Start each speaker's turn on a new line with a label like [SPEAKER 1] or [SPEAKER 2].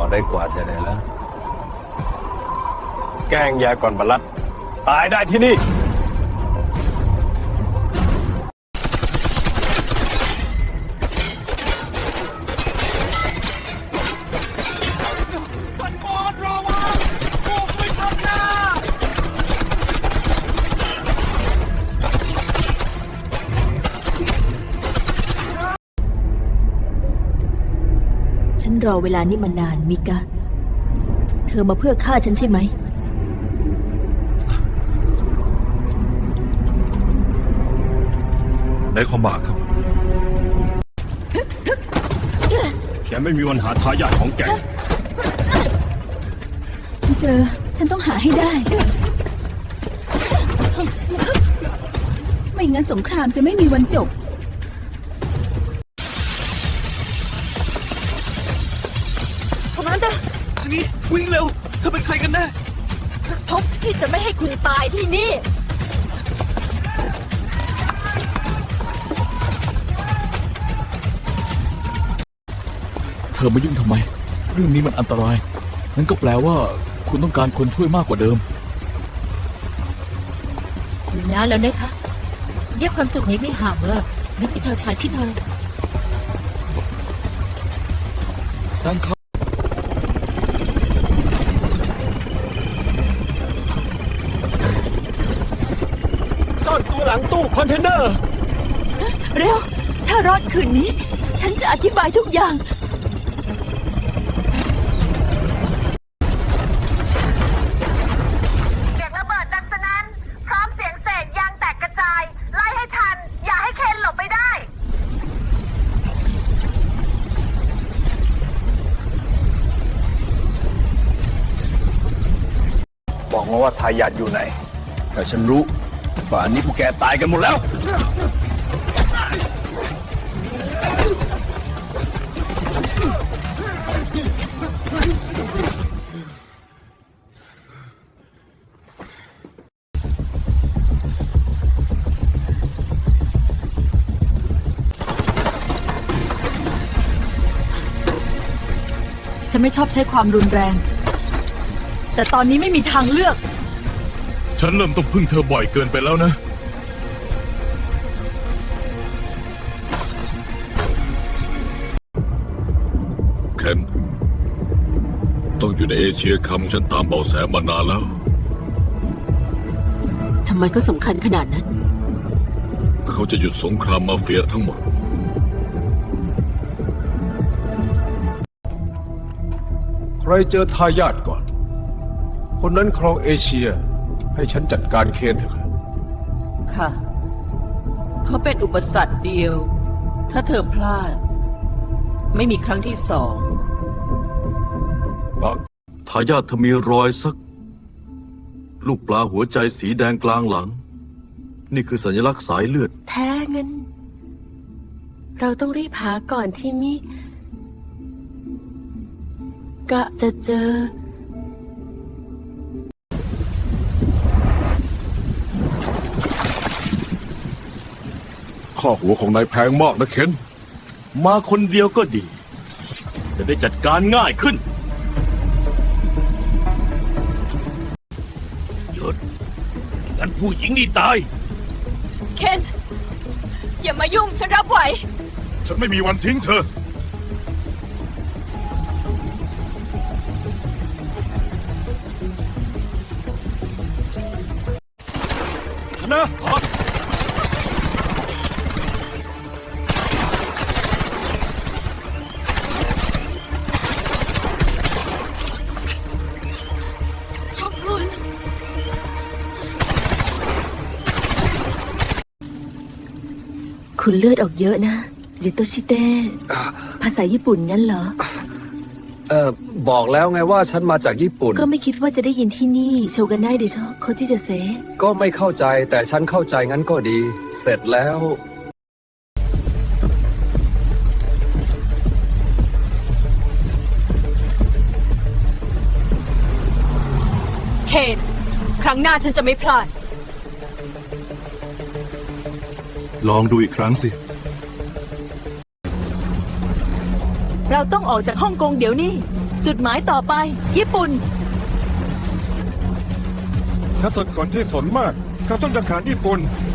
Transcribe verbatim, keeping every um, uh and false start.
[SPEAKER 1] ได้กว่าจะได้แล้ว
[SPEAKER 2] แกล้งยาก่อนบรรลัดตายได้ที่นี่
[SPEAKER 3] ฉันรอเวลานี้มานานมิกะเธอมาเพื่อฆ่าฉันใช่ไหม
[SPEAKER 4] ได้ความบากครับ
[SPEAKER 2] แกไม่มีวันหาทายาทของแก
[SPEAKER 3] เจอฉันต้องหาให้ได้ไม่งั้นสงครามจะไม่มีวันจบ
[SPEAKER 4] นี่วิ่งเร็วเธอเป็นใครกันแน่
[SPEAKER 3] พบที่จะไม่ให้คุณตายที่นี่
[SPEAKER 4] เธอมายุ่งทำไมเรื่องนี้มันอันตรายงั้นก็แปลว่าคุณต้องการคนช่วยมากกว่าเดิม
[SPEAKER 3] อยู่นานแล้วนะคะเรียกความสุขให้ไม่ห่างเลยนึกเป็นชาวชายที่เธอ
[SPEAKER 4] ตั้งเขา
[SPEAKER 2] ซ่อนตัวหลังตู้คอนเทนเนอร์
[SPEAKER 3] เร็วถ้ารอดคืนนี้ฉันจะอธิบายทุกอย่าง
[SPEAKER 5] เสียงระเบิดดังสนั่นพร้อมเสียงเศษยางแตกกระจายไล่ให้ทันอย่าให้เคนหลบไปได้
[SPEAKER 2] บอกมาว่าทายาทอยู่ไหนแต่ฉันรู้ป่านนี้พวกแกตายกันหมดแล้ว
[SPEAKER 3] ฉันไม่ชอบใช้ความรุนแรงแต่ตอนนี้ไม่มีทางเลือก
[SPEAKER 4] ฉันเริ่มต้องพึ่งเธอบ่อยเกินไปแล้วนะเคนต้องอยู่ในเอเชียคำฉันตามเบาะแสมานานแล้ว
[SPEAKER 3] ทำไมก็สำคัญขนาดนั้น
[SPEAKER 4] เขาจะหยุดสงครามมาเฟียทั้งหมด
[SPEAKER 6] ใครเจอทายาทก่อนคนนั้นครองเอเชียให้ฉันจัดการเคนเถอะ
[SPEAKER 7] ค่ะเขาเป็นอุปสรรคเดียวถ้าเธอพลาดไม่มีครั้งที่สอง
[SPEAKER 4] ทายาทเธอมีรอยสักลูกปลาหัวใจสีแดงกลางหลังนี่คือสัญลักษณ์สายเลือด
[SPEAKER 7] แท้งั้นเราต้องรีบหาก่อนที่มิกะจะเจอ
[SPEAKER 6] ข้อหัวของนายแพงมากนะเคน
[SPEAKER 2] มาคนเดียวก็ดีจะได้จัดการง่ายขึ้นหยุดงั้นผู้หญิงนี่ตาย
[SPEAKER 3] เคนอย่ามายุ่งฉันรับไหว
[SPEAKER 6] ฉันไม่มีวันทิ้งเธอ
[SPEAKER 2] นะ
[SPEAKER 3] คุณเลือดออกเยอะนะยิโตชิเตะภาษาญี่ปุ่นงั้นเหรอ
[SPEAKER 1] เออบอกแล้วไงว่าฉันมาจากญี่ปุ่น
[SPEAKER 3] ก็ไม่คิดว่าจะได้ยินที่นี่โชกันได้ดิชอโคจิจะเซ
[SPEAKER 1] ก็ไม่เข้าใจแต่ฉันเข้าใจงั้นก็ดีเสร็จแล้ว
[SPEAKER 3] เคนครั้งหน้าฉันจะไม่พลาด
[SPEAKER 6] ลองดูอีกครั้งสิ
[SPEAKER 3] เราต้องออกจากฮ่องกงเดี๋ยวนี้
[SPEAKER 7] จุดหมายต่อไป ญี่ปุ่น
[SPEAKER 8] ข้าสดก่อนที่สนมากข้าต้องจะขาดญี่ปุ่น